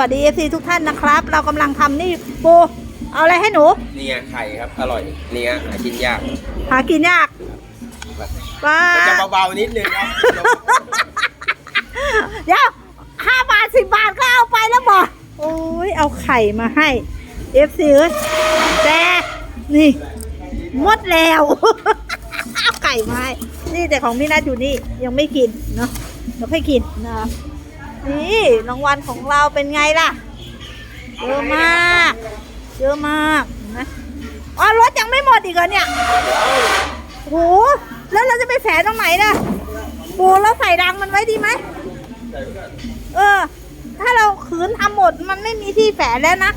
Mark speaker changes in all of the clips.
Speaker 1: วัสดี FC ทุกท่านนะครับ เรากำลังทำนี่ปูเอาอะไรให้หนู
Speaker 2: นี่ไงไข่ครับอร่อยนี่ไงหากินยาก
Speaker 1: หากินยากป้า
Speaker 2: จะเบาๆนิดนึงครับ
Speaker 1: เดี๋ยว5 บาท 10 บาทก็เอาไปแล้วบอกโอ้ยเอาไข่มาให้ FC แต่นี่หมดแล้วเอาไก่มาให้นี่แต่ของพี่นัทอยู่นี่ยังไม่กินเนาะเราค่อยกินนะนี่รางวัลของเราเป็นไงล่ะเยอะมากเยอะมากนะอ๋อรถยังไม่หมดอีกเหรอเนี่ยโหแล้วเราจะไปแฝงตรงไหนล่ะปูแล้วใส่รังมันไว้ดีไหมถ้าเราขืนทำหมดมันไม่มีที่แฝงแล้วนะ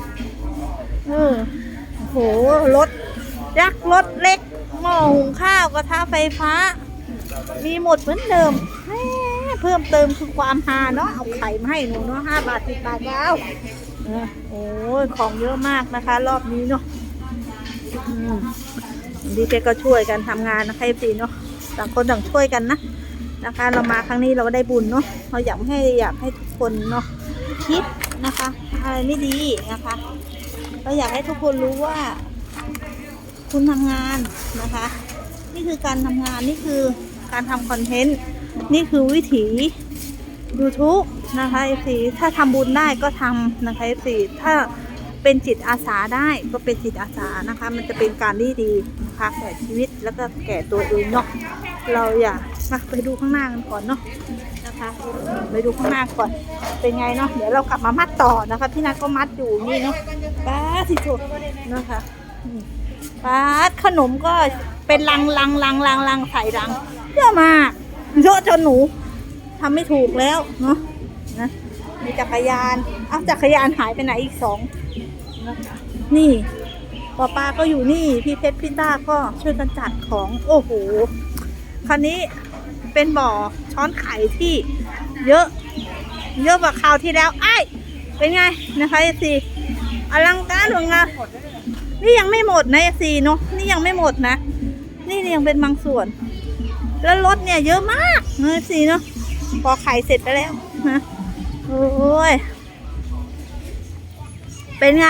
Speaker 1: โหรถยักษ์รถเล็กหม้อหุงข้าวกระทะไฟฟ้ามีหมดเหมือนเดิมเพิ่มเติมคือความฮาเนาะเอาไข่มาให้หนูเนาะ5 บาท 10 บาทแล้วโอ้ยของเยอะมากนะคะรอบนี้เนาะดีแกก็ช่วยกันทำงานนะคะพี่เนาะต่างคนต่างช่วยกันนะคะเรามาครั้งนี้เราก็ได้บุญเนาะเราอยากให้ทุกคนเนาะคิดนะคะอะไรไม่ดีนะคะเราอยากให้ทุกคนรู้ว่าคุณทำงานนะคะนี่คือการทำงานนี่คือการทำคอนเทนต์นี่คือวิถี YouTube นะคะ FC ถ้าทำบุญได้ก็ทำนะคะ FC ถ้าเป็นจิตอาสาได้ก็เป็นจิตอาสานะคะมันจะเป็นการดีนะคะแก่ชีวิตแล้วก็แก่ตัวเองเนาะเราอย่าไปดูข้างหน้ากันก่อนเนาะนะคะไปดูข้างหน้าก่อนเป็นไงเนาะเดี๋ยวเรากลับมามัดต่อนะคะพี่นัทก็มัดอยู่นี่เนาะป้าสิสุดนะคะป้าขนมก็เป็นลังใส่รังเยอะมากเยอะจนหนูทำไม่ถูกแล้วเนาะนะมีจักรยานจักรยานหายไปไหนอีก2นะคะนี่ป้าก็อยู่นี่พี่เพชรพี่ต้าก็ช่วยกันจัดของโอ้โหคันนี้เป็นบ่อช้อนไข่ที่เยอะกว่าคราวที่แล้วเป็นไงนะคะสิอลังการหรืองานนี่ยังไม่หมดนะสิเนาะนี่ยังไม่หมดนะนี่ยังเป็นบางส่วนแล้วรถเนี่ยเยอะมากนะสิเนาะพอไข่เสร็จไปแล้วนะโอ้ยเป็นไง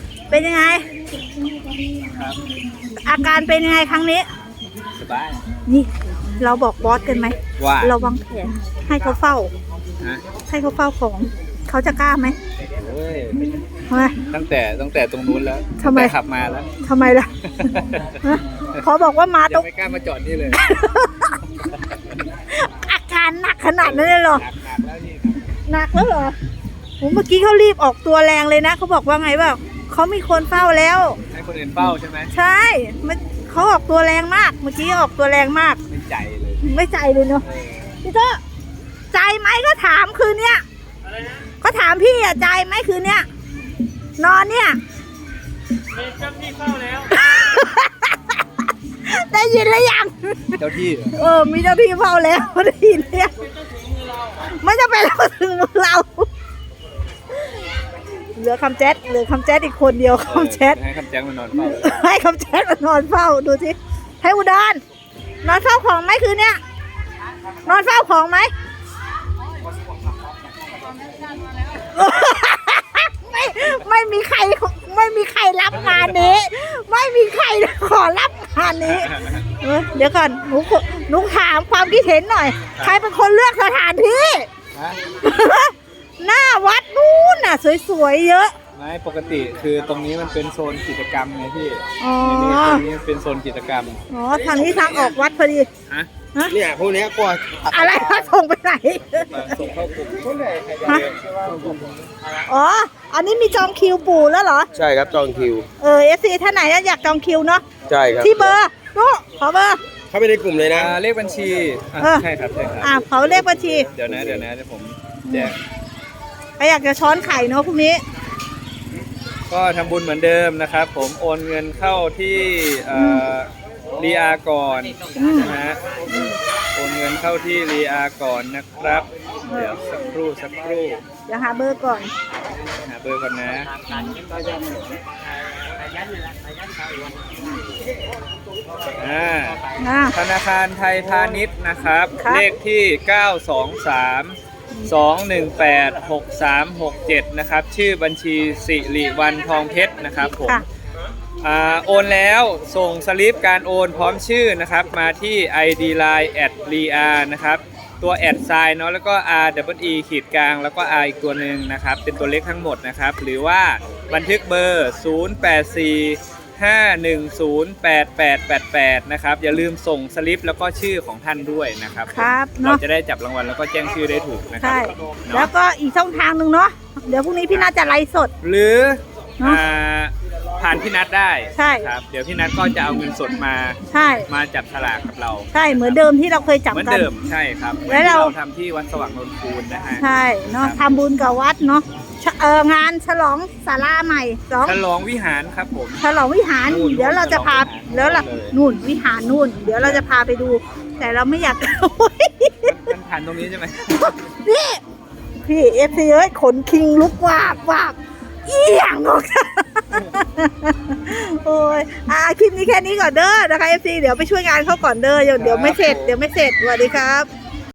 Speaker 1: อาการเป็นยังไงครั้งนี้
Speaker 2: สบาย
Speaker 1: นี่เราบอกบอสกันไหม
Speaker 2: ว่า
Speaker 1: เราวางแผนให้เขาเฝ้าของเขาจะกล้าไหม
Speaker 2: ตั้งแต่ตรงนู้นแล้ว
Speaker 1: ทำไม
Speaker 2: ขับมาแล้ว
Speaker 1: ทำไมล่ะเขาบอกว่ามาตรง
Speaker 2: ไม่กล้ามาจอดนี่เลย
Speaker 1: อาการหนักขนาดนั้นเลยเหรอหนักแล้วเหรอเมื่อกี้เขารีบออกตัวแรงเลยนะเขาบอกว่าไงบ้างเขามีคนเฝ้าแล้ว
Speaker 2: ให้คนอื่นเฝ้าใช่ไหม
Speaker 1: ใช่เขาออกตัวแรงมากเมื่อกี้ออกตัวแรงมาก
Speaker 2: ไม่ใจ
Speaker 1: เลยเนาะพี่เจ้าใจไหมก็ถามคืนเนี้ยก็ถามพี่ใจไหมคืนเนี้ยนอนเนี่ย
Speaker 3: มีเจ้าที่เฝ้าแล้ว
Speaker 1: ได้ยินหรือยัง
Speaker 2: เจ้าที่
Speaker 1: มีเจ้าที่เฝ้าแล้วได้ยินหรือยังไม่จะเป็นเราถึงมือเราเหลือคำแจ๊ดอีกคนเดียวคำแจ๊ด
Speaker 2: ให้คำแจ๊ดมานอนเฝ้า
Speaker 1: ให้คำแจ๊ดมานอนเฝ้าดูสิให้อุดรนอนเฝ้าของไหมคืนเนี้ยนอนเฝ้าของไหมไม่มีใครรับงานนี้ไม่มีใครขอรับงานนี้เดี๋ยวก่อนหนูถามความคิดเห็นหน่อยใครเป็นคนเลือกสถานที่หน้าวัดนู้นน่ะสวยๆเยอะ
Speaker 2: ไม่ปกติคือตรงนี้มันเป็นโซนกิจกรรมไงพี่ตรงนี้เป็นโซนกิจกรรม
Speaker 1: ทางนี้ทางออกวัดพอดี
Speaker 2: เนี่ยพวกนี้กว่า
Speaker 1: อะไรก็ส่งไปไหน
Speaker 2: ส่งเข้ากลุ่ม
Speaker 1: อันนี้มีจองคิวปู่แล้วเหรอ
Speaker 2: ใช่ครับจองคิว
Speaker 1: FC ท่านไหนอยากจองคิวเนาะ
Speaker 2: ใช่ครับ
Speaker 1: ที่เบอร์ขอเบอร์
Speaker 2: เข้าไปในกลุ่มเลยนะเลขบัญชีใช่ครับ
Speaker 1: เขาเลขบัญชี
Speaker 2: เดี๋ยวผมแจ้ง
Speaker 1: ใครอยากจะช้อนไข่เนาะพรุ่งนี้
Speaker 2: ก็ทำบุญเหมือนเดิมนะครับผมโอนเงินเข้าที่รีอาก่อนนะฮะโอนเงินเข้าที่รีอาก่อนนะครับเดี๋ยวสักครู่
Speaker 1: เดี๋ยวหาเบอร์ก่อน
Speaker 2: นะธนาคารไทยพาณิชย์นะครับเลขที่923 2186367นะครับชื่อบัญชีสิริวัลย์ทองเพชรนะครับผม
Speaker 1: ค่ะ
Speaker 2: โอนแล้วส่งสลิปการโอนพร้อมชื่อนะครับมาที่ ID Line @ria นะครับตัวแอดไซน์เนาะแล้วก็ RWE ขีดกลางแล้วก็ R อีกตัวหนึ่งนะครับเป็นตัวเลขทั้งหมดนะครับหรือว่าบันทึกเบอร์ 0845108888นะครับอย่าลืมส่งสลิปแล้วก็ชื่อของท่านด้วยนะครับ
Speaker 1: ครับ
Speaker 2: เรา
Speaker 1: เนาะ
Speaker 2: จะได้จับรางวัลแล้วก็แจ้งชื่อได้ถูกนะครั
Speaker 1: ใช่
Speaker 2: เนาะ
Speaker 1: แล้วก็อีกช่องทางหนึ่งเนาะเดี๋ยวพรุ่งนี้พี่น่าจะไลฟ์สด
Speaker 2: หรือ
Speaker 1: เนาะ
Speaker 2: ผ่านพี่นัทได้
Speaker 1: ใช่
Speaker 2: ครับเดี๋ยวพี่นัทก็จะเอาเงินสดมา
Speaker 1: ใช่
Speaker 2: จับฉลากกับเรา
Speaker 1: ใช่เหมือนเดิมที่เราเคยจับ
Speaker 2: เหมือน
Speaker 1: กัน
Speaker 2: เดิมใช่ครับ
Speaker 1: แล้วเรา
Speaker 2: ทำที่วัดสว่างนนคูนนะฮะ
Speaker 1: ใช่เนาะ
Speaker 2: ครับ
Speaker 1: ทำบุญกับวัดเนาะงานฉลองศาลาใหม่2
Speaker 2: ฉลองวิหารครับผม
Speaker 1: ฉลองวิหาร
Speaker 2: นู่น
Speaker 1: เดี๋ยวเราจะพา
Speaker 2: ฉลองวิหาร
Speaker 1: แล้วล่ะ
Speaker 2: เลย
Speaker 1: นู่นวิหารนู่น เดี๋ยวเราจะพาไปดู แต่เราไม่อยาก
Speaker 2: มันผ่านตรงนี้ใช่ไหม
Speaker 1: นี่พี่เอฟซีเอ้ยขนคิงลุกวาบวาบเอียงออก โอ้ยคลิปนี้แค่นี้ก่อนเด้อนะคะเอฟซีเดี๋ยวไปช่วยงานเขาก่อนเด้อเดี๋ยวไม่เสร็จสวัสดีครับ